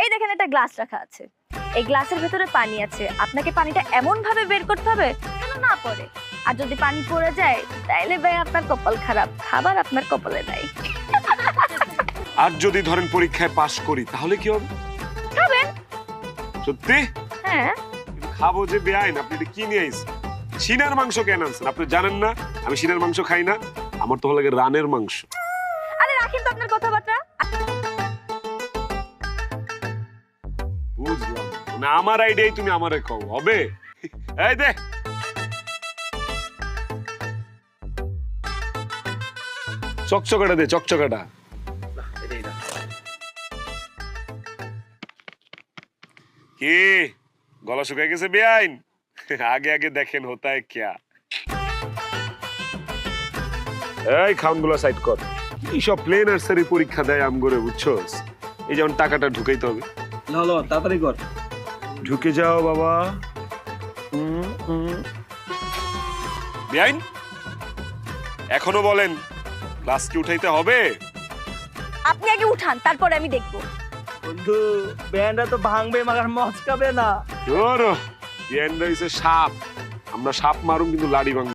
এই দেখেন একটা গ্লাস রাখা আছে, এই গ্লাসের ভেতরে পানি আছে, আপনাকে পানিটা এমন ভাবে বের করতে হবে যেন না পড়ে। আর যদি পানি পড়ে যায় তাইলে ভাই আপনার কপাল খারাপ, খাবার আপনার কপালে নাই। আর যদি ধরেন পরীক্ষায় পাশ করি তাহলে কি হবে? খাবেন। সত্যি? হ্যাঁ। কিন্তু খাবো যে বেআইন, আপনি এটা কি নিয়ে আইছেন? সিনার মাংস কেন আনছেন? আপনি জানেন না আমি সিনার মাংস খাই না, আমার তো ভালো লাগে রানের মাংস। আরে রাখেন তো আপনার কথাবার্তা। বুঝলাম, মানে আমার আইডিয়াই তুমি আমারে কও হবে? এই দে চকচকাটা দে, চকচকাটা। কি গলা শুকায় গেছে বেআইন? আগে আগে দেখেন হোতা है क्या। এই খাউনগুলো সাইড কর। কি সব প্লেন নার্সারি পরীক্ষা দেয় আমগরে, বুঝছস? এই যেমন টাকাটা ঢুকাইতে হবে। লো তাড়াতাড়ি কর। ঢুকে যাও বাবা। বেআইন এখনো বলেন ক্লাস কি উঠাইতে হবে? আপনি আগে উঠান, তারপরে আমি দেখবো। বন্ধু ব্যান্ডটা তো ভাঙবে মাগার মচকাবে না। ধরো বেআইন রইছে সাপ, আমরা সাপ মারুম কিন্তু লাড়ি ভাঙবো।